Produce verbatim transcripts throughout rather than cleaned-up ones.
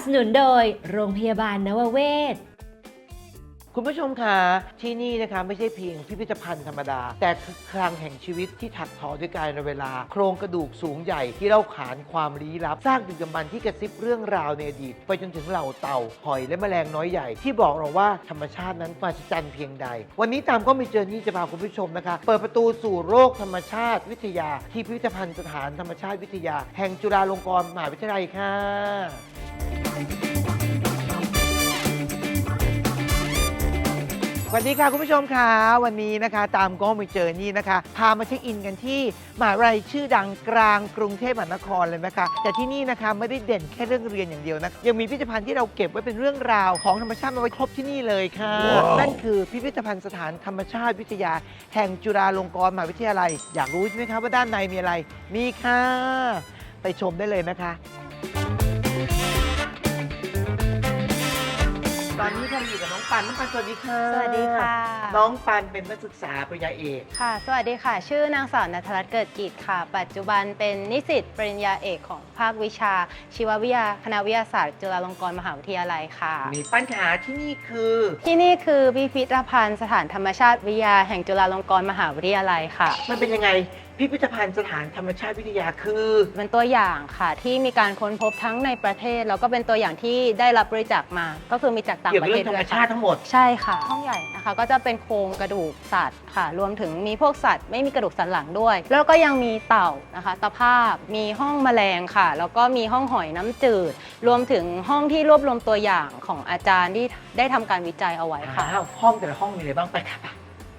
สนุนโดยโรงพยาบาลนวเวศคุณผู้ชมคะที่นี่นะคะไม่ใช่เพียงพิพิธภัณฑ์ธรรมดาแต่คือคลังแห่งชีวิตที่ถักทอด้วยกาลเวลาโครงกระดูกสูงใหญ่ที่เล่าขานความลี้ลับสร้างดึกดำบรรพ์ที่กระซิบเรื่องราวในอดีตไปจนถึงเหล่าเต่าหอยและแมลงน้อยใหญ่ที่บอกเราว่าธรรมชาตินั้นมหัศจรรย์เพียงใดวันนี้ตามก็มีเจอนี่จะพาคุณผู้ชมนะคะเปิดประตูสู่โลกธรรมชาติวิทยาที่พิพิธภัณฑ์สถานธรรมชาติวิทยาแห่งจุฬาลงกรณ์มหาวิทยาลัยค่ะสวัสดีค่ะคุณผู้ชมค่ะวันนี้นะคะตามก็มีเจอนี่นะคะพามาเช็คอินกันที่มหาวิทยาลัยชื่อดังกลางกรุงเทพมหานครเลยนะคะแต่ที่นี่นะคะไม่ได้เด่นแค่เรื่องเรียนอย่างเดียวนะยังมีพิพิธภัณฑ์ที่เราเก็บไว้เป็นเรื่องราวของธรรมชาติมาไว้ครบที่นี่เลยค่ะ wow. นั่นคือพิพิธภัณฑ์สถานธรรมชาติวิทยาแห่งจุฬาลงกรณ์มหาวิทยาลัยอยากรู้ใช่ไหมคะว่าด้านในมีอะไรมีค่ะไปชมได้เลยนะคะตอนนี้เราอยู่กับน้องปันน้องปันสวัสดีค่ะสวัสดีค่ะน้องปันเป็นนักศึกษาปริญญาเอกค่ะสวัสดีค่ะชื่อนางสาวณัฐรัตน์เกิดกิจค่ะปัจจุบันเป็นนิสิตปริญญาเอกของภาควิชาชีววิทยาคณะวิทยาศาสตร์จุฬาลงกรณ์มหาวิทยาลัยค่ะมีปัญหาที่นี่คือที่นี่คือพิพิธภัณฑ์สถานธรรมชาติวิทยาแห่งจุฬาลงกรณ์มหาวิทยาลัยค่ะมันเป็นยังไงพิพิธภัณฑ์สถานธรรมชาติวิทยาคือเป็นตัวอย่างค่ะที่มีการค้นพบทั้งในประเทศแล้วก็เป็นตัวอย่างที่ได้รับบริจาคมาก็คือมีจากต่างประเทศเกี่ยวกับเรื่องธรรมชาติทั้งหมดใช่ค่ะห้องใหญ่นะคะก็จะเป็นโครงกระดูกสัตว์ค่ะรวมถึงมีพวกสัตว์ไม่มีกระดูกสันหลังด้วยแล้วก็ยังมีเต่านะคะตะภาพมีห้องแมลงค่ะแล้วก็มีห้องหอยน้ำจืดรวมถึงห้องที่รวบรวมตัวอย่างของอาจารย์ที่ได้ทำการวิจัยเอาไว้ค่ะห้องแต่ละห้องมีอะไรบ้างไปค่ะ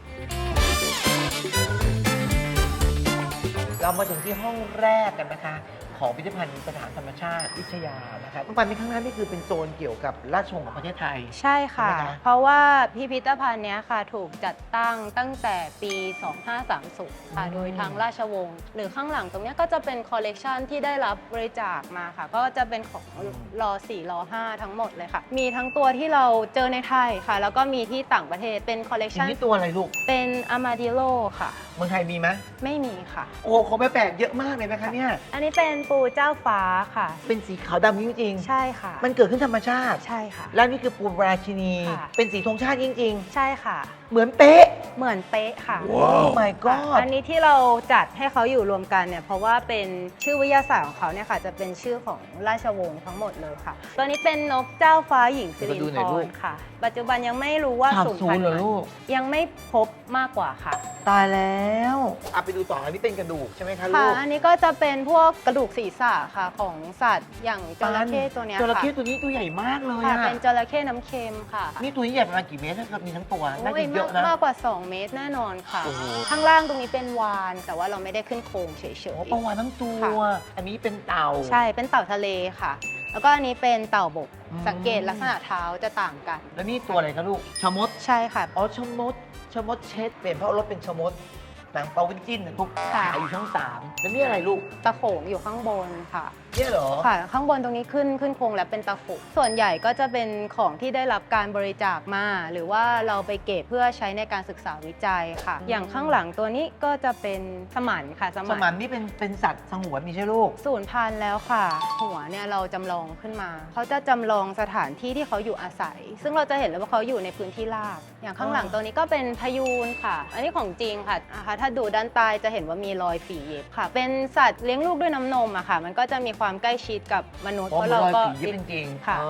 เรามาถึงที่ห้องแรกกันนะคะของพิพิธภัณฑ์สถานธรรมชาติวิทยานะคะปันในข้างหน้านี่คือเป็นโซนเกี่ยวกับราชวงศ์ของประเทศไทยใช่ค่ะเพราะว่าพิพิธภัณฑ์นี้ค่ะถูกจัดตั้งตั้งแต่ปี สองพันห้าร้อยสามสิบ ค่ะโดยทางราชวงศ์หรือข้างหลังตรงนี้ก็จะเป็นคอลเลกชันที่ได้รับบริจาคมาค่ะก็จะเป็นของรอสี่รอห้าทั้งหมดเลยค่ะมีทั้งตัวที่เราเจอในไทยค่ะแล้วก็มีที่ต่างประเทศเป็นคอลเลกชันนี่ตัวอะไรลูกเป็นอามาดิโลค่ะเมืองไทยมีไหมไม่มีค่ะโอ้ของแปลกๆเยอะมากเลยนะคะเนี่ยอันนี้เป็นปูเจ้าฟ้าค่ะเป็นสีขาวดำจริงๆใช่ค่ะมันเกิดขึ้นธรรมชาติใช่ค่ะและนี่คือปูราชินีเป็นสีธงชาติจริงๆใช่ค่ะเหมือนเป๊ะเหมือนเป๊ะค่ะโอ้ my god อันนี้ที่เราจัดให้เขาอยู่รวมกันเนี่ยเพราะว่าเป็นชื่อวิทยาศาสตร์ของเขาเนี่ยค่ะจะเป็นชื่อของราชวงศ์ทั้งหมดเลยค่ะตัวนี้เป็นนกเจ้าฟ้าหญิงสิรินธรค่ะปัจจุบันยังไม่รู้ว่าสูญพันธุ์ยังไม่พบมากกว่าค่ะตายแล้วเอาไปดูต่ออันนี้เป็นกระดูกใช่ไหมคะลูกค่ะอันนี้ก็จะเป็นพวกกระดูกศีรษะค่ะของสัตว์อย่างจระเข้ตัวนี้ค่ะจระเข้ตัวนี้ตัวใหญ่มากเลยค่ะเป็นจระเข้น้ำเค็มค่ะนี่ตัวนี้ใหญ่ประมาณกี่เมตรถ้ามีทั้งตัวน่าจะเยอะนะมากกว่าสองเมตรแน่นอนค่ะข้างล่างตรงนี้เป็นวาฬแต่ว่าเราไม่ได้ขึ้นโครงเฉยๆปลาวาฬทั้งตัวอันนี้เป็นเต่าใช่เป็นเต่าทะเลค่ะแล้วก็อันนี้เป็นเต่าบกสังเกตลักษณะเท้าจะต่างกันแล้วนี่ตัวอะไรคะลูกชะมดใช่ค่ะอ๋อชะมดชะมดเช็ดเปลี่ยนเพราะรถเป็นชะมดหนังเปาวินจิ้นนะพวกขายอยู่ช่องสามแล้วนี่อะไรลูกตะโขงอยู่ข้างบนค่ะเนี่ยเหรอค่ะข้างบนตรงนี้ขึ้นขึ้นโครงแล้วเป็นตะโขงส่วนใหญ่ก็จะเป็นของที่ได้รับการบริจาคมาหรือว่าเราไปเก็บเพื่อใช้ในการศึกษาวิจัยค่ะอย่างข้างหลังตัวนี้ก็จะเป็นสมันค่ะสมันนี่เป็นเป็นสัตว์สงวนมีใช่ลูกสูญพันธุ์แล้วค่ะหัวเนี่ยเราจำลองขึ้นมาเขาจะจำลองสถานที่ที่เขาอยู่อาศัยซึ่งเราจะเห็นเลยว่าเขาอยู่ในพื้นที่ราบอย่างข้างหลังตัวนี้ก็เป็นพยูนค่ะอันนี้ของจริงค่ะถ้าดูด้านใต้จะเห็นว่ามีรอยฝีเย็บค่ะเป็นสัตว์เลี้ยงลูกด้วยน้ำนมอะค่ะมันก็จะมีความใกล้ชิดกับมนุษย์เพราะเราก็จริงๆค่ะ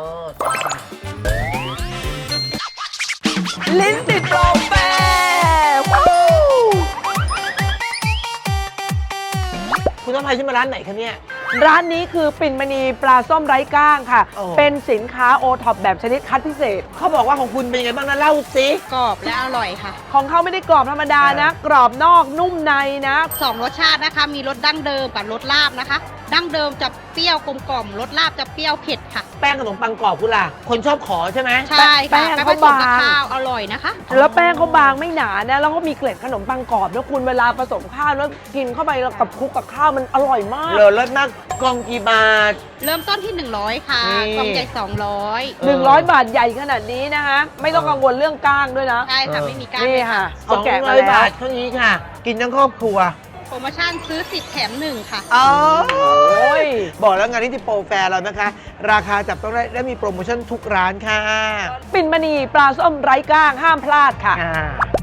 ลิ้นติดโปรแปรคุณต้องพาฉันมาร้านไหนคะเนี่ยร้านนี้คือปิ่นมณีปลาส้มไร้ก้างค่ะเป็นสินค้าโอท็อปแบบชนิดคัดพิเศษเขาบอกว่าของคุณเป็นยังไงบ้างนะเล่าสิกรอบและอร่อยค่ะของเขาไม่ได้กรอบธรรมดานะกรอบนอกนุ่มในนะสองรสชาตินะคะมีรสดั้งเดิมกับรสลาบนะคะดั้งเดิมจะเปรี้ยวกลมกล่อมรสลาบจะเปรี้ยวเผ็ดค่ะแป้งขนมปังกรอบคุณล่ะคนชอบขอใช่ไหมใช่ค่ะแป้งเขาบางข้าวอร่อยนะคะแล้วแป้งเขาบางไม่หนานะแล้วก็มีเกล็ดขนมปังกรอบแล้วคุณเวลาผสมข้าวแล้วกินเข้าไปกับคลุกกับข้าวมันอร่อยมากเลยรสมากกล่องกี่บาทเริ่มต้นที่หนึ่งร้อยค่ะกล่องใหญ่สองร้อยหนึ่งร้อยบาทใหญ่ขนาดนี้นะคะไม่ต้องกังวลเรื่องก้างด้วยนะใช่ค่ะไม่มีก้างนี่ค่ะสองร้อยบาทเท่านี้ค่ะกินทั้งครอบครัวโปรโมชั่นซื้อสิบแถมหนึ่งค่ะอ๋อยบอกแล้วงานนี้ที่โปรแฟร์เรานะคะ ราคาจับต้องได้และมีโปรโมชั่นทุกร้านค่ะปิ่นมณีปลาส้มไร้ก้างห้ามพลาดค่ะอ่า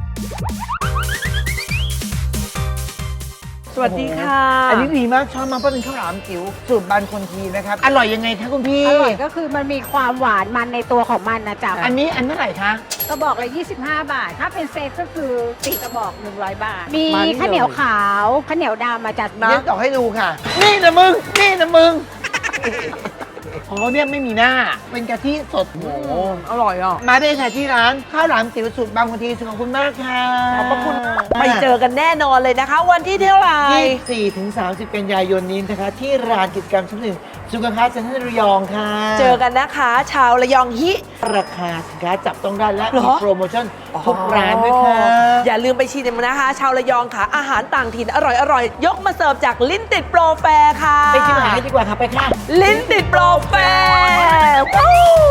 สวัสดีค่ะอันนี้ดีมากชอบมากเพราะเป็นข้าวหลามจิ๋วสูตรบานคนทีนะครับ อร่อยยังไงคะคุณพี่อร่อยก็คือมันมีความหวานมันในตัวของมันนะจ๊ะอันนี้อันเท่าไหร่คะกระบอกละยี่สิบห้า บาท ถ้าเป็นเซตก็คือสี่กระบอก หนึ่งร้อย บาท มีมานี่ข้าวเหนียวเลยขาวข้าวเหนียวดำมาจัดเดี๋ยวต่อให้ดูค่ะ นี่นะมึง นี่นะมึงของเขาเนี่ยไม่มีหน้า เป็นกะทิสดโอ้โหอร่อยอ่ะมาได้ค่ะที่ร้านข้าวหลามจิ๋วสูตรบางคนทีขอบคุณมากค่ะขอบพระคุณไปเจอกันแน่นอนเลยนะคะ วันที่เท่าไหร่ยี่สิบสี่ถึงสามสิบกันยายนนี้นะคะ ที่ร้านกิจกรรมชั้นหนึ่งสุขภาพเซ็นทรัลระยองค่ะเจอกันนะคะ ชาวระยองฮิราคาสินค้าจับต้องได้และเหรมีอโปรโมชั่นทุกร้านด้วยค่ะอย่าลืมไปชิมนะคะ ชาวระยองค่ะ อาหารต่างถิ่นอร่อยอร่อยยกมาเสิร์ฟจากลิ้นติดโปรแฟร์ค่ะไปชิมอาหารกันดีกว่าค่ะ ไปค่ะลิ้นติดโปรแฟร์วู้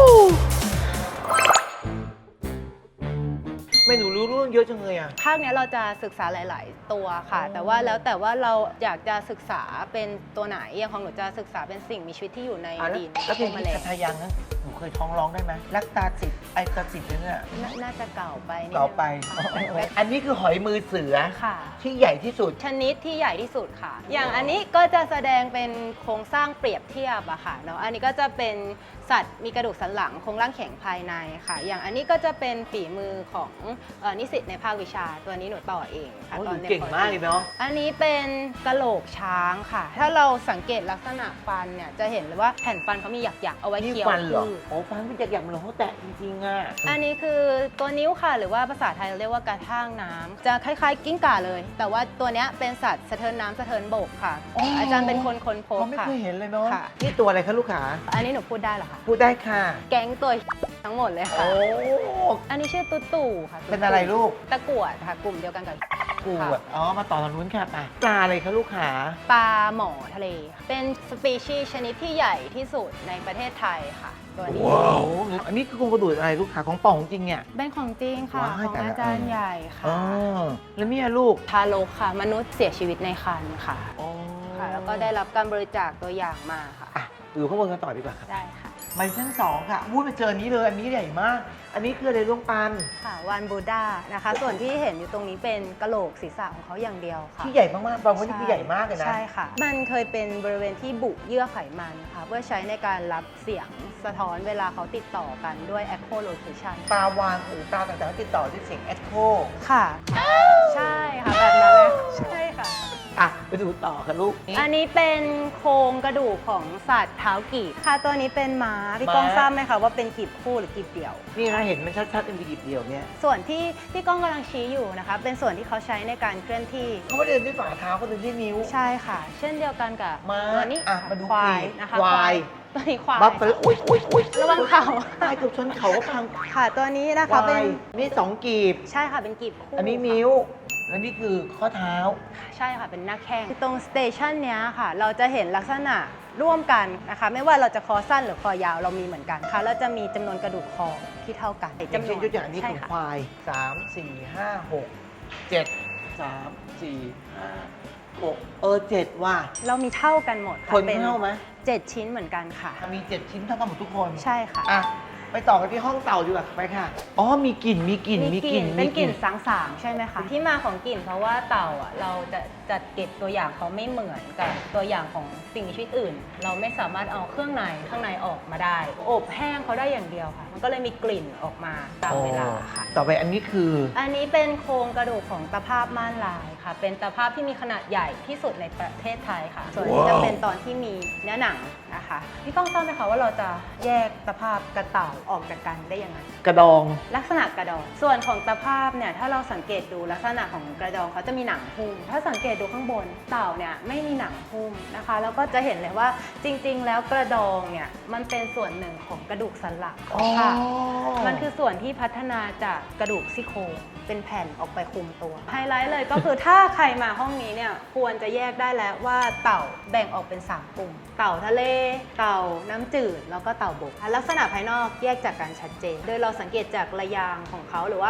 ไม่หนูรู้เรื่องเยอะจังเลยอ่ะภาคเนี้ยเราจะศึกษาหลาย ๆ ตัวค่ะ แต่ว่าแล้วแต่ว่าเราอยากจะศึกษาเป็นตัวไหนอย่างของหนูจะศึกษาเป็นสิ่งมีชีวิตที่อยู่ในอ่ะแล้วดินแล้วเพลงพวกนี้แมลคาง ทายังนะหนูเคยท้องร้องได้ไหมรักตาจิตไอตาจิตเนี่ยนาน่าจะเก่าไปนิดนึงต่อไป อันนี้คือหอยมือเสือค่ะที่ใหญ่ที่สุดชนิดที่ใหญ่ที่สุดค่ะ อย่างอันนี้ก็จะแสดงเป็นโครงสร้างเปรียบเทียบอะค่ะเนาะ อันนี้ก็จะเป็นสัตว์มีกระดูกสันหลังโครงร่างแข็งภายในค่ะ อย่างอันนี้ก็จะเป็นฝีมือของเอ่อนิสิตในภาควิชา ตัวนี้หนูต่อเองค่ะโอ้ยตอนหนูเก่งมากเลยเนาะอันนี้เป็นกะโหลกช้างค่ะ ถ้าเราสังเกตลักษณะฟันเนี่ยจะเห็นเลยว่าแผ่นฟันเขามีหยักๆเอาไว้นี่เคี้ยวฟันเหรอพืชโอ้ฟันเป็นจากอย่างมันเหรอเขาแตะจริงๆอ่ะอันนี้คือตัวนิ้วค่ะ หรือว่าภาษาไทยเราเรียกว่ากระทั่งน้ำจะคล้ายๆ กิ้งก่าเลย แต่ว่าตัวเนี้ยเป็นสัตว์สะเทินน้ำสะเทินบกค่ะอ๋อออาจารย์เป็นคนค้นพบเขาไม่ค่ะเคยเห็นเลยเนาะค่ะนี่ตัวอะไรคะลูกขาอันนี้หนูพูดได้เหรอคะพูดได้ค่ะแก๊งตัวทั้งหมดเลยค่ะโอ้อันนี้ชื่อตุ๊ตู่ค่ะตุ๊เป็นอะไรลูกตะกรวดค่ะ กลุ่มเดียวกันกับกูค่ะดอ๋อ มาต่อทางนู้นค่ะไปปลาอะไรคะลูกขาปลาหมอทะเลค่ะเป็นสปีชีส์ชนิดที่ใหญ่ที่สุดในประเทศไทยค่ะ ตัวนี้โอ้อันนี้คือโครงกระดูกอะไรลูกขาของป่องจริงเนี่ยเป็นของจริงค่ะว้ายของแต่ละอาจารย์ใหญ่อ๋ค่ะอแล้วเนี่ยลูกทารกค่ะ มนุษย์เสียชีวิตในครรภ์ค่ะอ๋อค่ะ แล้วก็ได้รับการบริจาคตัวอย่างมาค่ะอ่ะอยู่ข้างบนกันต่อดีกว่าครับได้ค่ะมาชั้นสองค่ะวูดไปเจออันนี้เลย อันนี้ใหญ่มาก อันนี้คืออะไรลูกปันค่ะวันบูดานะคะ ส่วนที่เห็นอยู่ตรงนี้เป็นกะโหลกศีรษะของเขาอย่างเดียวค่ะที่ใหญ่มากๆบางคนนี่คือใหญ่มากเลยนะใช่ค่ะ มันเคยเป็นบริเวณที่บุเยื่อไขมันค่ะ เพื่อใช้ในการรับเสียงสะท้อนเวลาเขาติดต่อกันด้วย echolocation ปลาวานหรือปลาต่างๆที่ติดต่อด้วยเสียงแอคโคค่ะ ใช่ค่ะ แบบนั้นเลยใช่ค่ะอ่ะ ไปดูต่อค่ะลูกนี่อันนี้เป็นโครงกระดูกของสัตว์เท้ากีบค่ะ ตัวนี้เป็นม้า พี่ก้องม้าทราบไหมคะว่าเป็นกีบคู่หรือกีบเดี่ยวนี่นะเห็นมันชัดๆเป็นกีบเดียวเนี่ยส่วนที่พี่ก้องกำลังชี้อยู่นะคะ เป็นส่วนที่เขาใช้ในการเคลื่อนที่เขาไม่ได้เดินด้วยฝ่าเท้าเขาเดินด้วยนิ้วใช่ค่ะ เช่นเดียวกันกับม้าตัวนี้อ่ะมาดูควายกีบนะคะควายตัวนี้ควายบัฟเฟลอุ้ยอุ้ยอุ้ยระวังเข่าตายเกือบชนเขาก็พังค่ะตัวนี้นะควาคะเป็นยนี่สองกีบใช่ค่ะเป็นกีบคู่อันนี้มิ้ว แล้วนี่คือข้อเท้าใช่ค่ะเป็นหน้าแข้งตรงสเตชันเนี้ยค่ะ เราจะเห็นลักษณะร่วมกันนะคะ ไม่ว่าเราจะคอสั้นหรือคอยาวเรามีเหมือนกันค่ะเราจะมีจำนวนกระดูกคอที่เท่ากันอย่างเช่นยกตัวอย่างนี้ใช่ของค่ะควายสามสี่ห้าหกเจ็ดสามสี่ห้าหกเออเจ็ดว่ะเรามีเท่ากันหมดค่ะคนเป็นเท่าไหมเจ็ดชิ้นเหมือนกันค่ะมีเจ็ดชิ้นเท่ากันหมดทุกคนใช่ค่ะอ่ะ ไปต่อกันที่ห้องเต่าดีกว่าไปค่ะ อ๋อ มีกลิ่น มีกลิ่นมีกลิ่นเป็นกลิ่นมีสางๆใช่ไหมคะที่มาของกลิ่นเพราะว่าเต่าอ่ะเราจะจัดเก็บตัวอย่างเขาไม่เหมือนกับตัวอย่างของสิ่งมีชีวิตอื่น เราไม่สามารถเอาเครื่องในข้างในออกมาได้อบแห้งเขาได้อย่างเดียวค่ะ มันก็เลยมีกลิ่นออกมาตามเวลาค่ะต่อไปอันนี้คืออันนี้เป็นโครงกระดูกของตะภาพม่านลายค่ะ เป็นตะภาพที่มีขนาดใหญ่ที่สุดในประเทศไทยค่ะ ส่วนนี้จะเป็นตอนที่มีเนื้อหนังนะคะพี่ก้องทราบไหมคะว่าเราจะแยกตะภาพกระเต่าออกจากกันได้ยังไงกระดองลักษณะกระดอง ส่วนของตะภาพเนี่ยถ้าเราสังเกตดูลักษณะของกระดองเขาจะมีหนังหุ้มถ้าสังเกตดูข้างบนเต่าเนี่ยไม่มีหนังหุ้มนะคะแล้วก็จะเห็นเลยว่าจริงๆ แล้วกระดองเนี่ยมันเป็นส่วนหนึ่งของกระดูกสันหลังค่ะ มันคือส่วนที่พัฒนาจากกระดูกซี่โครงเป็นแผ่นออกไปคลุมตัวไฮไลท์เลยก็คือถ้าใครมาห้องนี้เนี่ยควรจะแยกได้แล้วว่าเต่าแบ่งออกเป็นสามกลุ่มเต่าทะเลเต่าน้ำจืดแล้วก็เต่าบกลักษณะภายนอกแยกจากกันชัดเจน โดยเราสังเกตจากระยางของเขาหรือว่า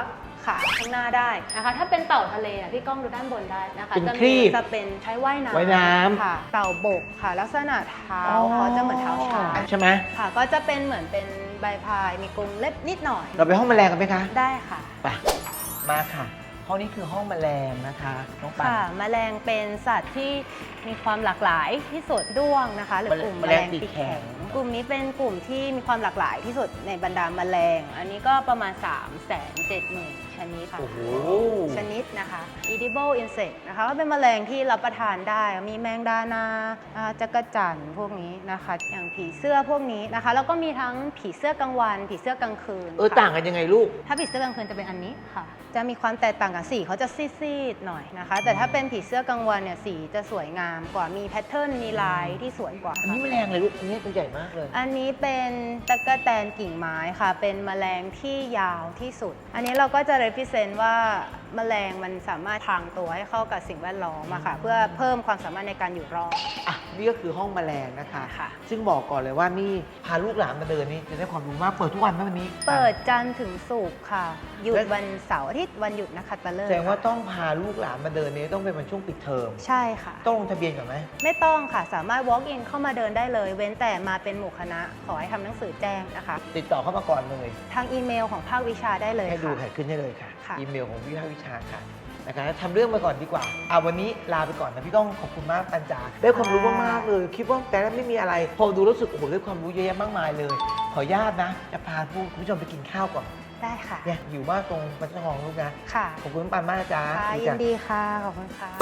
ขาข้างหน้าได้นะคะ ถ้าเป็นเต่าทะเลอ่ะพี่ก้องดูด้านบนได้นะคะเป็นจะครีมีบจะเป็นใช้ว่ายน้ำว่ายน้ำค่ะ เต่าบกค่ะ ลักษณะเท้าเขาจะเหมือนเท้าช้างใช่ไหมค่ะ ก็จะเป็นเหมือนเป็นใบพายมีกรงเล็บนิดหน่อยเราไปห้องแมลงกันไหมคะได้ค่ะไปมาค่ะ ห้องนี้คือห้องแมลงนะคะน้องปันค่ะ แมลงเป็นสัตว์ที่มีความหลากหลายที่สุดด้วงนะคะ หรือกลุ่มแมแมลลงงปีกปีกแข็งแข็ง กลุ่มนี้เป็นกลุ่มที่มีความหลากหลายที่สุดในบรรดาแมลง อันนี้ก็ประมาณ สามแสนเจ็ดหมื่น ชนิดค่ะโอ้โหชนิดนะคะ edible insect นะคะก็เป็นแมลงที่รับประทานได้ มีแมงดานาอ่าจักรจั่นพวกนี้นะคะ อย่างผีเสื้อพวกนี้นะคะ แล้วก็มีทั้งผีเสื้อกลางวัน ผีเสื้อกลางคืนเออค่ะต่างกันยังไงลูกถ้าผีเสื้อกลางคืนจะเป็นอันนี้ค่ะ จะมีความแตกต่างกันสีเขาจะซีดๆหน่อยนะคะ แต่ถ้าเป็นผีเสื้อกลางวันเนี่ยสีจะสวยงามกว่า มีแพทเทิร์น มีลายที่สวยกว่าอันนี้แมลงเลยลูก อันนี้ตัวใหญ่มากเลยอันนี้เป็นตะกแตนกิ่งไม้ค่ะ เป็นแมลงที่ยาวที่สุด อันนี้เราก็จะ represent ว่าแมลงมันสามารถพรางตัวให้เข้ากับสิ่งแวดล้อมอะค่ะ เพื่อเพิ่มความสามารถในการอยู่รอดอ่ะ นี่ก็คือห้องแมลงนะคะค่ะซึ่งบอกก่อนเลยว่านี่พาลูกหลานมาเดินนี่จะได้ความรู้มาก เปิดทุกวันไหมวันนี้เปิดจันทร์ถึงศุกร์ค่ะ หยุดและวันเสาร์อาทิตย์วันหยุดนะคะตะเลิแสดงว่าต้องพาลูกหลานมาเดินนี่ต้องเป็นวันช่วงปิดเทอมใช่ค่ะต้องลงทะเบียนก่อนไหมไม่ต้องค่ะ สามารถ walk in เข้ามาเดินได้เลย เว้นแต่มาเป็นหมู่คณะ ขอให้ทำหนังสือแจ้งนะคะติดต่อเข้ามาก่อนเลยทางอีเมลของภาควิชาได้เลยให้ดูค่ะแขกขึ้นได้เลยค่ะค่ะอีเมลของวิภาควิชาค่ะนะคะทำเรื่องมาก่อนดีกว่าเอาวันนี้ลาไปก่อนนะพี่ก้องขอบคุณมากปัญจาได้ความรู้มากๆเลย คิดว่าแต่ละไม่มีอะไร พอดูรู้สึกโอ้โหได้ความรู้เยอะแยะมากมายเลย ขออนุญาตนะ จะพาผู้คุณผู้ชมไปกินข้าวก่อนได้ค่ะเนี่ยอยู่มากตรงปัญจทองลูกนะค่ะขอบคุณปันมากนะจ๊ะค่ะดียิจ้ะนดีค่ะ ขอบคุณค่ะ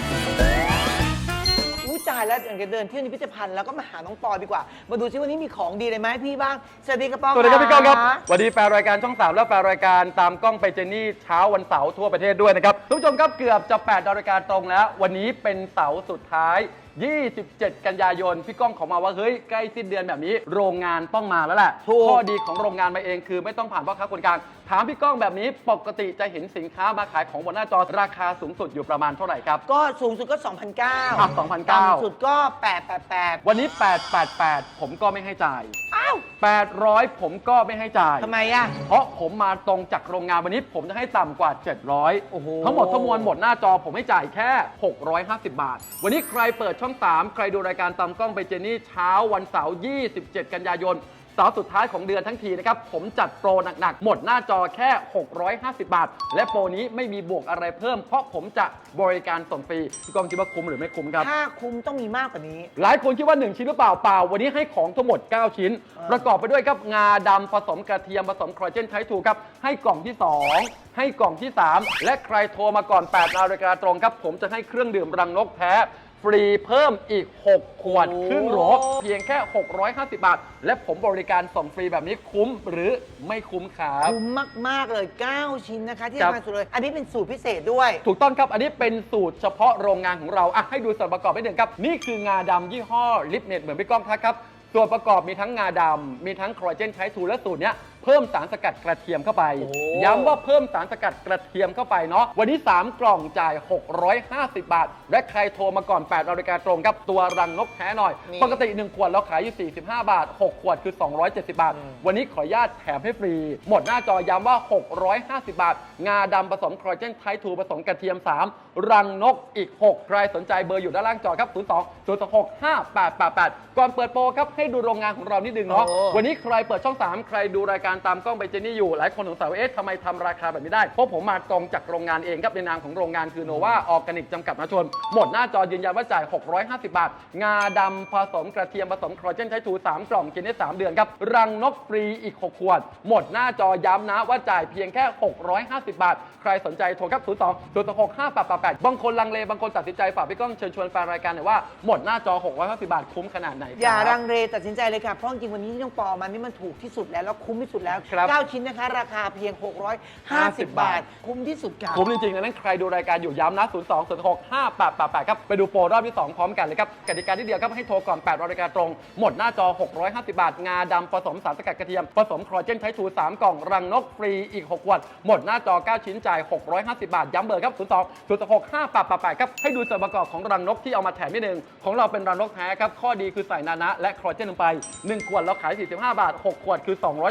อู้ตายแล้วอยากจะเดินเที่ยวในพิพิธภัณฑ์แล้วก็มาหาน้องปอดีกว่า มาดูซิวันนี้มีของดีอะไรไหมาให้พี่บ้างสวัสดีครับปอสวัสดีครับพี่ก้องครับะสวัสดีแฟนรายการช่องสามและแฟนรายการตามกล้องไปเจนี่เช้าวันเสาร์ทั่วประเทศด้วยนะครับทุกผู้ชมครับเกือบจะแปดนาฬิกาตรงแล้ว วันนี้เป็นเสาร์สุดท้าย ยี่สิบเจ็ด กันยายนพี่ก้องขอมาว่าเฮ้ยใกล้สิ้นเดือนแบบนี้โรงงานต้องมาแล้วแหละถูกข้อดีของโรงงานมาเองคือไม่ต้องผ่านพ่อค้าคนกลางถามพี่ก้องแบบนี้ปกติจะเห็นสินค้ามาขายของบนหน้าจอราคาสูงสุดอยู่ประมาณเท่าไหร่ครับก็สูงสุดก็ สองพันเก้าอ่ะสองพันเก้าต่ำสุดก็แปดแปดแปดวันนี้แปดแปดแปดผมก็ไม่ให้จ่ายอ้าวแปดร้อยผมก็ไม่ให้จ่ายทำไมอ่ะเพราะผมมาตรงจากโรงงานวันนี้ผมจะให้ต่ำกว่า เจ็ดร้อยโอ้โหทั้งหมดทั้งมวลหมดหน้าจอผมให้จ่ายแค่ หกร้อยห้าสิบ บาท วันนี้ใครเปิดช่อง สาม ใครดูรายการตามกล้องไปเจนี่เช้าวันเสาร์ ยี่สิบเจ็ด กันยายนเสาร์สุดท้ายของเดือนทั้งทีนะครับ ผมจัดโปรหนักๆ หมดหน้าจอแค่ หกร้อยห้าสิบ บาท และโปรนี้ไม่มีบวกอะไรเพิ่ม เพราะผมจะบริการส่งฟรีพี่กองคิดว่าคุ้มหรือไม่คุ้มครับถ้าคุ้มต้องมีมากกว่านี้หลายคนคิดว่า หนึ่ง ชิ้นหรือเปล่าเปล่า วันนี้ให้ของทั้งหมด เก้า ชิ้น ประกอบไปด้วยครับงาดำผสมกระเทียมผสมคอลลาเจนไททูครับให้กล่องที่ สอง ให้กล่องที่ สาม และใครโทรมาก่อน แปด นาฬิกาตรงครับ ผมจะให้เครื่องดื่มรังนกแท้ฟรีเพิ่มอีก หก ขวดโอ้ครึ่งโหลเพียงแค่ หกร้อยห้าสิบ บาท และผมบริการส่งฟรีแบบนี้คุ้มหรือไม่คุ้มครับคุ้มมาก ๆ เลย เก้า ชิ้นนะคะ ที่ครับสำคัญสุดเลย อันนี้เป็นสูตรพิเศษด้วยถูกต้องครับ อันนี้เป็นสูตรเฉพาะโรงงานของเราอ่ะให้ดูส่วนประกอบนิดหนึ่งครับ นี่คืองาดำยี่ห้อลิปเน็ตเหมือนพี่ก้องทักครับ ส่วนประกอบมีทั้งงาดำมีทั้งคอลลาเจนไททูและสูตรเนี้ยเพิ่มสารสกัดกระเทียมเข้าไปโอ้ย้ำว่าเพิ่มสารสกัดกระเทียมเข้าไปเนาะวันนี้ สาม กล่องจ่าย หกร้อยห้าสิบ บาท และใครโทรมาก่อน แปด นาฬิกาตรงครับตัวรังนกแท้หน่อยนี่ปกติ หนึ่ง ขวดเราขายอยู่ สี่สิบห้า บาท หก ขวดคือ สองร้อยเจ็ดสิบ บาท วันนี้ขออนุญาตแถมให้ฟรี หมดหน้าจอย้ำว่า หกร้อยห้าสิบ บาท งาดำผสมคอลลาเจนไททูผสมกระเทียม สาม รังนกอีก หก ใครสนใจเบอร์อยู่ด้านล่างจอครับ ศูนย์ สอง ศูนย์ หก ห้า แปด แปด แปด ก่อนเปิดโปรครับให้ดูโรงงานของเรานิดนึงเนาะโอ้วันนี้ใครเปิดช่อง สาม ใครดูรายการตามกล้องไปเจนี่อยู่หลายคนสงสัยว่าเอ๊ะทำไมทำราคาแบบนี้ได้ เพราะผมมาตรงจากโรงงานเองครับในนามของโรงงานคือโนวาออร์แกนิกจำกัดมหาชน หมดหน้าจอยืนยันว่าจ่าย หกร้อยห้าสิบ บาท งาดำผสมกระเทียมผสมคอลลาเจนไททูสาม กล่องกินได้สามเดือนครับรังนกฟรีอีก หก ขวด หมดหน้าจอย้ำนะว่าจ่ายเพียงแค่ หกร้อยห้าสิบ บาท ใครสนใจโทรครับ ศูนย์ สอง ศูนย์ หก ห้า แปด แปด แปด บางคนลังเลบางคนตัดสินใจฝากพี่ก้องเชิญชวนแฟนรายการหน่อยว่าหมดหน้าจอ หกร้อยห้าสิบ บาทคุ้มขนาดไหนครับอย่ารังเลตัดสินใจเลยค่ะ เพราะจริงๆวันนี้ที่น้องปอมานี่มันถูกที่สุดแล้วแล้วคุ้มที่สุดแล้วครับเก้า ชิ้นนะคะ ราคาเพียง หกร้อยห้าสิบ บาท คุ้มที่สุดค่ะคุ้มจริงๆดังนั้นใครดูรายการอยู่ย้ำนะ ศูนย์ สอง ศูนย์ หก ห้า แปด แปด แปด ครับ ไปดูโปรรอบที่ สอง พร้อมกันเลยครับ กติกาที่เดียวครับ ให้โทรก่อน แปด นาฬิกาตรง หมดหน้าจอ หกร้อยห้าสิบ บาท งาดำผสมสารสกัดกระเทียม ผสมคอลลาเจนไททูสาม กล่อง รังนกฟรีอีก หก ขวด หมดหน้าจอ เก้า ชิ้นจ่าย หกร้อยห้าสิบ บาท ย้ำเบอร์ครับ ศูนย์ สอง ศูนย์ หก ห้า แปด แปด แปด ครับ ให้ดูส่วนประกอบของรังนกที่เอามาแถมนิดนึงของเราเป็นรังนกแท้ครับ ข้อดีคือใส่นานะและคอลลาเจนลงไป หนึ่ง ขวดเราขาย สี่สิบห้า บาท หก ขวดคือ สองร้อยเจ็ดสิบ บาท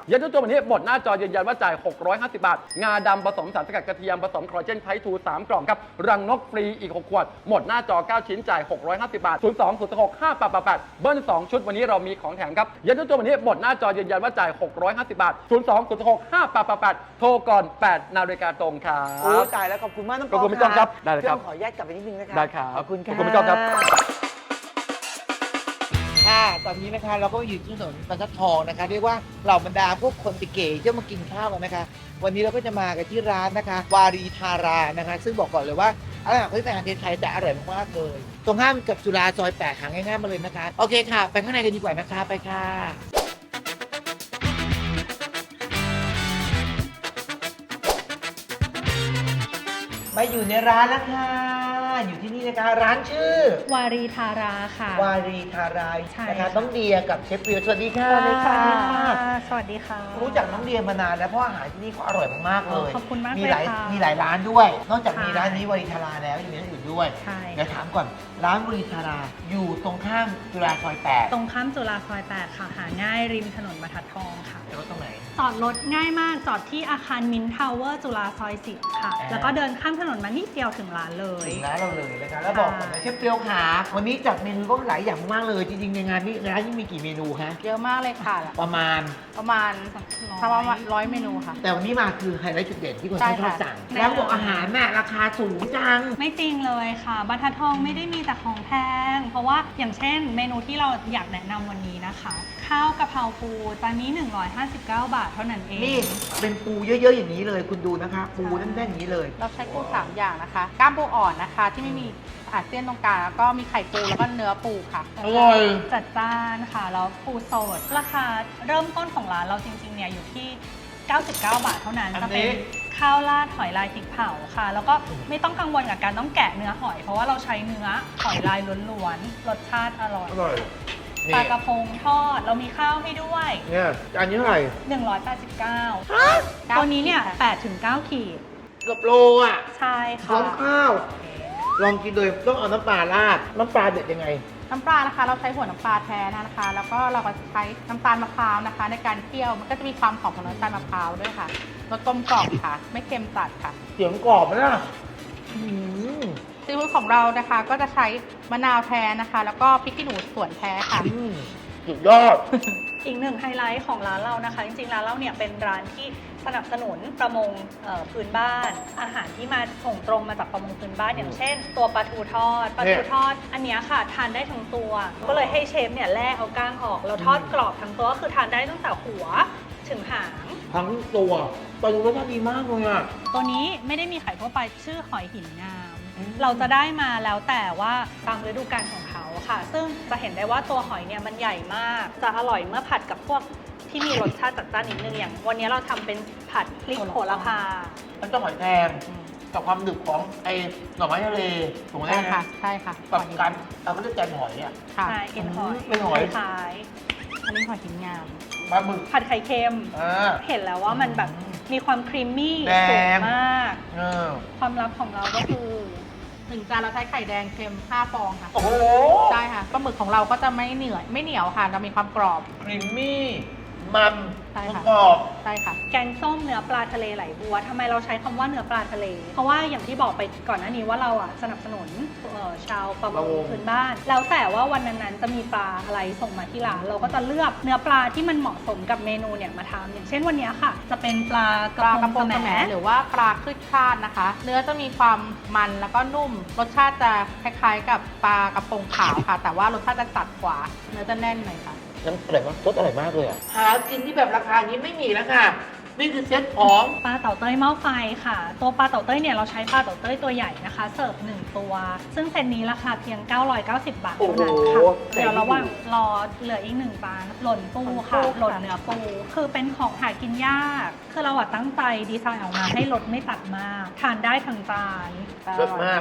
เย็นทุกตัววันนี้หมดหน้าจอยืนยันว่าจ่าย หกร้อยห้าสิบบาท งาดำผสมสารสกัดกระเทียมผสมคอลลาเจนไททูสามกล่องครับรังนกฟรีอีกหกขวดหมดหน้าจอเก้าชิ้นจ่ายหกร้อยห้าสิบบาทศูนย์ สอง ศูนย์ หก ห้า แปด แปด แปดเบิ้ลสองชุดวันนี้เรามีของแถมครับเย็นทุกตัววันนี้หมดหน้าจอยืนยันว่าจ่ายหกร้อยห้าสิบบาทศูนย์ สอง ศูนย์ หก ห้า แปด แปด แปดโทรก่อนแปดนาฬิกาตรงครัโอ้บตายแล้วขอบคุณมากน้องขอบคุณพี่ต้อมครับได้เลยครับพี่ต้อมขออนุญาตกลับไปนิดนึงนะคะได้ครับขอบคุณขอบค่ะคุณพี่ต้อมครับค่ะตอนนี้นะคะเราก็อยู่ที่ถนนบรรทัดทองนะคะเรียกว่าเหล่าบรรดาพวกคนติเก๋ที่มากินข้าวกันนะคะ วันนี้เราก็จะมากันที่ร้านนะคะ วารีทารานะคะ ซึ่งบอกก่อนเลยว่าอาหารพื้นอาหารไทยแต่อร่อยมากๆเลย ตรงข้ามกับจุฬาซอยแปดหาง่ายๆมาเลยนะคะ โอเคค่ะ ไปข้างในกันดีกว่านะคะไปค่ะ มาอยู่ในร้านแล้วค่ะ อยู่ที่นี่นะคะร้านชื่อวารีทาราค่ะวารีทารายใช่นะคะค่ะน้องเดียกับเชฟเปียวสวัสดีค่ะสวัสดีค่ะ สวัสดีค่ะรู้จักน้องเดียมานานแล้วเพราะอาหารที่นี่เขาอร่อยมากๆเลยขอบคุณมากมีเลยหลายค่ะมีหลายร้านด้วย นอกจากใช่มีร้านนี้วารีทาราแล้วยังมีร้านอื่นด้วยใช่เดี๋ยวถามก่อนร้านวารีทาราอยู่ตรงข้ามจุฬาซอยแปดตรงข้ามจุฬาซอยแปดค่ะ หาง่ายริมถนนบรรทัดทองค่ะแล้วก็ตรงไหนจอดรถง่ายมาก จอดที่อาคารมินทาวเวอร์จุฬาซอยสิบค่ะอ่าแล้วก็เดินข้ามถนนมานิดเดียวถึงร้านเลยถึงร้านเราเลยนะคะแล้วบอกก่อนนะเชฟเปียวขาวันนี้จัดเมนูก็หลายอย่างมากเลยจริงๆในงานนี้ร้านนี้มีกี่เมนูคะเยอะมากเลยค่ะประมาณประมาณประมาณร้อยเมนูค่ะแต่วันนี้มาคือไฮไลท์จุดเด่นที่คนใช่ชอบค่ะสั่งแล้วบอกอาหารแม่ราคาสูงจังไม่จริงเลยค่ะบรรทัดทองไม่ได้มีแต่ของแพง เพราะว่าอย่างเช่น เมนูที่เราอยากแนะนำวันนี้นะคะ ข้าวกะเพราปูจานนี้ หนึ่งร้อยห้าสิบเก้า บาทเท่านั้นเองนี่เป็นปูเยอะๆอย่างนี้เลยคุณดูนะคะ ปูแน่นๆอย่างนี้เลยเราใช้ปูสามอย่างนะคะ ก้ามปูอ่อนนะคะ ที่ไม่มีอาเซียนตรงกลางแล้วก็มีไข่ปูแล้วก็เนื้อปูค่ะอร่อยจัดจ้านค่ะ แล้วปูสด ราคาเริ่มต้นของร้านเราจริงๆเนี่ยอยู่ที่ เก้าสิบเก้า บาทเท่านั้นอันนี้จะเป็นข้าวราดหอยลายพริกเผาค่ะ แล้วก็ไม่ต้องกังวลกับการต้องแกะเนื้อหอย เพราะว่าเราใช้เนื้อหอยลายล้วนๆรสชาติอร่อยอร่อยปลากระพงทอดเรามีข้าวให้ด้วยเนี่ยจานนี้เท่าไหร่หนึ่งร้อยแปดสิบเก้าตัวนี้เนี่ยแปดถึงเก้าขีดเกือบโลอ่ะใช่พร้อค่ะมข้าว ลองกินเลยต้องเอาน้ำปลาราดน้ำปลาเด็ดยังไงน้ำปลานะคะ เราใช้หัวน้ำปลาแท้นะคะ แล้วก็เราก็ใช้น้ำตาลมะพร้าวนะคะ ในการเคี่ยวมันก็จะมีความหอมของน้ำตาลมะพร้าวด้วยค่ะรสกลมกล่อมค่ะ ไม่เค็มจัดค่ะเสียงกรอบนะอืมซีฟู้ดของเรานะคะ ก็จะใช้มะนาวแท้นะคะ แล้วก็พริกขี้หนูสวนแท้ค่ะอืมสุดยอดอีกหนึ่งไฮไลท์ของร้านเรานะคะ จริงๆร้านเราเนี่ยเป็นร้านที่สนับสนุนประมงเอ่อพื้นบ้าน อาหารที่มาส่งตรงมาจากประมงพื้นบ้านอย่างเช่น ตัวปลาทูทอดปลาทูทอด อันเนี้ยค่ะทานได้ทั้งตัว ก็เลยให้เชฟเนี่ยแล่เอาก้างออกแล้วทอดกรอบทั้งตัวก็คือทานได้ตั้งแต่หัวถึงหางทั้งตัวตอนนี้รสชาติดีมากเลยอ่ะตัวนี้ไม่ได้มีขายทั่วไปชื่อหอยหินงามอืมเราจะได้มาแล้วแต่ว่าตามฤดูกาลของเขาค่ะ ซึ่งจะเห็นได้ว่าตัวหอยเนี่ยมันใหญ่มาก จะอร่อยเมื่อผัดกับพวกที่มีรสชาติจัดจ้านนิดนึงอย่าง วันนี้เราทำเป็นผัดพริกโหระพามันต้องหอยแครงกับความดึกของไอ้หน่อไม้ทะเลถูกไหมใช่ค่ะ ใช่ค่ะกับการเอาก็เรียกแกงหอยอ่ะค่ะใช่เอ็นหอยเป็นหอยคล้ายอันนี้หอยหินงามปลาหมึกๆผัดไข่เค็มอ่าเห็นแล้วว่ามันแบบมีความครีมมี่แดงสูงมากเออความลับของเราก็คือถึงจานเราใช้ไข่แดงเค็มห้าฟองค่ะโอ้โหใช่ค่ะปลาหมึกของเราก็จะไม่เหนียวไม่เหนียวค่ะเรามีความกรอบครีมมี่ มันใช่ค่ะกรอบใช่ค่ะแกงส้มเนื้อปลาทะเลไหลบัวทำไมเราใช้คำว่าเนื้อปลาทะเล เพราะว่าอย่างที่บอกไปก่อนหน้านี้ว่าเราอ่ะสนับสนุนเอ่อชาวประมงพื้นบ้าน แล้วแต่ว่าวันนั้นๆจะมีปลาอะไรส่งมาที่ร้านเราก็จะเลือกเนื้อปลาที่มันเหมาะสมกับเมนูเนี่ยมาทำอย่างเช่นวันนี้ค่ะ จะเป็นปลากระปลากระพพงงสสแหมมหรือว่าปลาคลึกคลาดนะคะ เนื้อจะมีความมันแล้วก็นุ่ม รสชาติจะคล้ายๆ กับปลากระพงขาวค่ะ แต่ว่ารสชาติจะจัดกว่า เนื้อจะแน่นหน่อยค่ะน้ำอร่อยมากรสอร่อยมากเลยอ่ะ หากินที่แบบราคานี้ไม่มีแล้วค่ะ นี่คือเซ็ตของปลาเต่าเต้ยหม้อไฟค่ะ ตัวปลาเต่าเต้ยเนี่ยเราใช้ปลาเต่าเต้ยตัวใหญ่นะคะ เสิร์ฟหนึ่งตัว ซึ่งเซตนี้ราคาเพียง เก้าร้อยเก้าสิบ บาทเท่านั้นค่ะโอ้โหเดี๋ยวระหว่างรอเหลืออีกหนึ่งปลาหล่นปูค่ะหล่นปูค่ะหล่นเนื้อปู คือเป็นของหากินยาก คือเราอะตั้งใจดีไซน์ออกมาให้รสไม่ตัดมาก ทานได้ทั้งจานรสมาก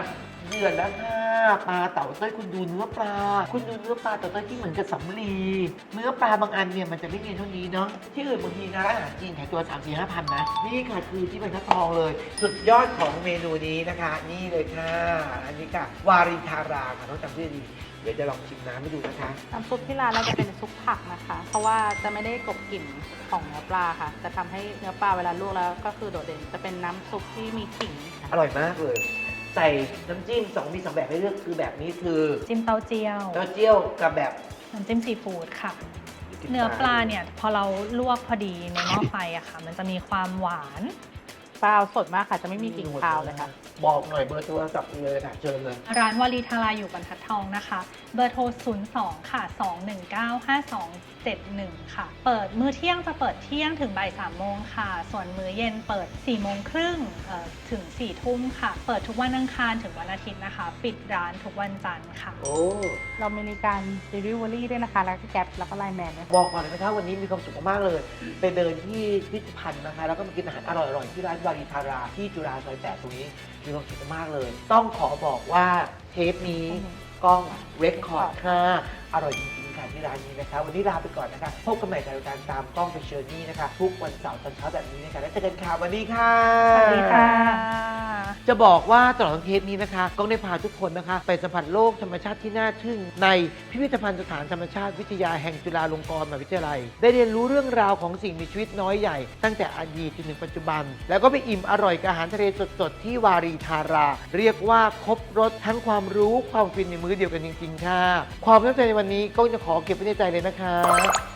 เดือดแล้วค่ะปลาเต่าเต้ยคุณดูเนื้อปลา คุณดูเนื้อปลาเต่าเต้ยที่เหมือนกับสำลีเนื้อปลาบางอันเนี่ยมันจะไม่เนียนเท่านี้เนาะที่อื่นบางทีนะร้านอาหารจีนขายตัว สาม สี่ ห้าพันนะนี่ค่ะคือที่บรรทัดทองเลย สุดยอดของเมนูนี้นะคะ นี่เลยค่ะอันนี้ค่ะวารินทาราค่ะต้องจำชื่อดีเดี๋ยวจะลองชิมน้ำให้ดูนะคะน้ำซุปที่ร้านเราจะเป็นซุปผักนะคะ เพราะว่าจะไม่ได้กลบกลิ่นของเนื้อปลาค่ะ จะทำให้เนื้อปลาเวลาลวกแล้วก็คือโดดเด่น จะเป็นน้ำซุปที่มีขิงค่ะอร่อยมากเลย ใส่น้ำจิ้มสองมีสองแบบให้เลือกคือแบบนี้คือจิ้มเต้าเจี้ยวเต้าเจี้ยวกับแบบน้ำจิ้มซีฟู้ดค่ะ เนื้อปลาเนี่ยพอเราลวกพอดีในหม้อไฟอะค่ะ มันจะมีความหวานปลาสดมากค่ะ จะไม่มีกลิ่นคาวเลยค่ะบอกหน่อยเบอร์โทรศัพท์เลยค่ะเชิญเลยร้านวารีทาราอยู่บรรทัดทองนะคะ เบอร์โทร ศูนย์ สอง ค่ะ สอง หนึ่ง เก้า ห้า สอง เจ็ด หนึ่ง ค่ะ เปิดมื้อเที่ยงจะเปิดเที่ยงถึงบ่ายสามโมงค่ะ ส่วนมื้อเย็นเปิดสี่โมงครึ่งเอ่อถึงสี่ทุ่มค่ะ เปิดทุกวันอังคารถึงวันอาทิตย์นะคะ ปิดร้านทุกวันจันทร์ค่ะโอ้เรามีการ delivery ด้วยนะคะ แล้วก็แก๊ปแล้วก็ไลน์แมนด้วยค่ะบอกก่อนเลยนะคะวันนี้มีความสุขมากๆเลย ไปเดินที่พิพิธภัณฑ์นะคะ แล้วก็มากินอาหารอร่อยๆ ที่ร้านวารีทาราที่จุฬาซอยแปดตรงนี้ มีความสุขมากๆเลย ต้องขอบอกว่าเทปนี้กล้องเรคคอร์ดค่ะ อร่อยจริงๆค่ะที่ร้านนี้นะคะ วันนี้ลาไปก่อนนะคะ พบกันใหม่ในรายการตามกล้องไปเชิญนี่นะคะ ทุกวันเสาร์ตอนเช้าแบบนี้นะคะ แล้วเจอกันค่ะวันนี้ค่ะสวัสดีค่ะจะบอกว่าตลอดทั้งเทปนี้นะคะก้องได้พาทุกคนนะคะ ไปสัมผัสโลกธรรมชาติที่น่าทึ่งในพิพิธภัณฑ์สถานธรรมชาติวิทยาแห่งจุฬาลงกรณ์มหาวิทยาลัย ได้เรียนรู้เรื่องราวของสิ่งมีชีวิตน้อยใหญ่ ตั้งแต่อดีตจนถึงปัจจุบัน แล้วก็ไปอิ่มอร่อยกับอาหารทะเลสดๆที่วารีทารา เรียกว่าครบรสทั้งความรู้ความฟินในมื้อเดียวกันจริงๆค่ะความประทับใจในวันนี้ก้องจะขอเก็บไว้ในใจเลยนะคะ